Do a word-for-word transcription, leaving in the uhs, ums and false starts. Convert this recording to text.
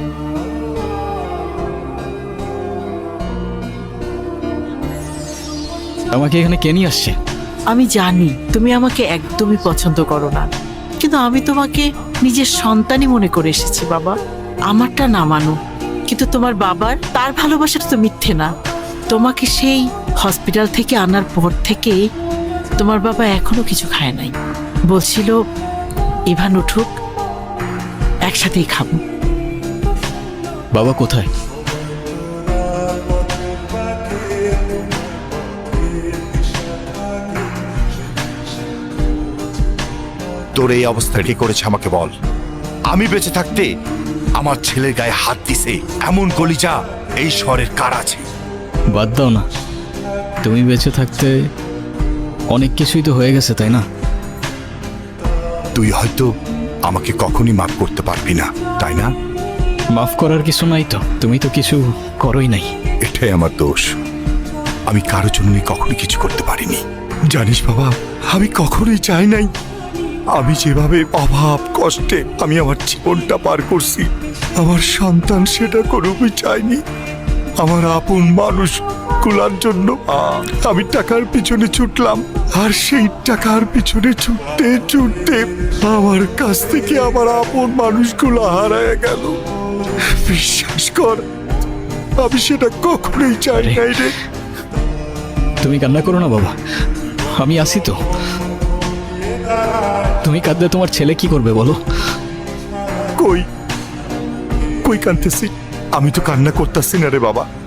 আমাকে এখানে কে নিয়ে আসছে? আমি জানি তুমি আমাকে একদমই পছন্দ করো না, কিন্তু আমি তোমাকে নিজের সন্তানই মনে করে এসেছি বাবা। আমারটা না মানো, কিন্তু তোমার বাবার তার ভালোবাসাটা তো মিথ্যে না। তোমাকে সেই হসপিটাল থেকে আনার পর থেকে তোমার বাবা এখনো কিছু খায় নাই। বলছিল ইভান উঠুক, একসাথেই খাবো। বাবা কোথায়? তোর এই অবস্থা কি করেছে আমাকে বল। আমি বেঁচে থাকতে আমার ছেলের গায়ে হাত দিছে এমন কলিজা এই শহরের কার আছে? বাদ দাও না, তুমি বেঁচে থাকতে অনেক কিছুই তো হয়ে গেছে, তাই না? তুই হয়তো আমাকে কখনই মাফ করতে পারবি না, তাই না? মাফ করার কিছু নাই তো, তুমি তো কিছু করোই নাই। এটাই আমার দোষ। আমি কারোর জন্যই কখনোই কিছু করতে পারিনি। জানিস বাবা, আমি কখনোই চাই নাই আমি যেভাবে অভাব কষ্টে আমি আমার জীবনটা পার করছি, আমার সন্তান সেটা করুকই চাইনি। আমার আপন মানুষ গুলার জন্য আমি টাকার পিছনে ছুটলাম, আর সেই টাকার পিছনে ছুটতে ছুটতে আমার কাছ থেকে আমার আপন মানুষগুলো হারায় গেল। বিশ্বাস কর, আমি সেটা কখনোই চাই নাই রে। তুমি কান্না করো না বাবা, আমি আছি তো। তুমি কাঁদলে তোমার ছেলে কি করবে বলো? কই কই কাঁদতেছি? আমি তো কান্না করতেছি না রে বাবা।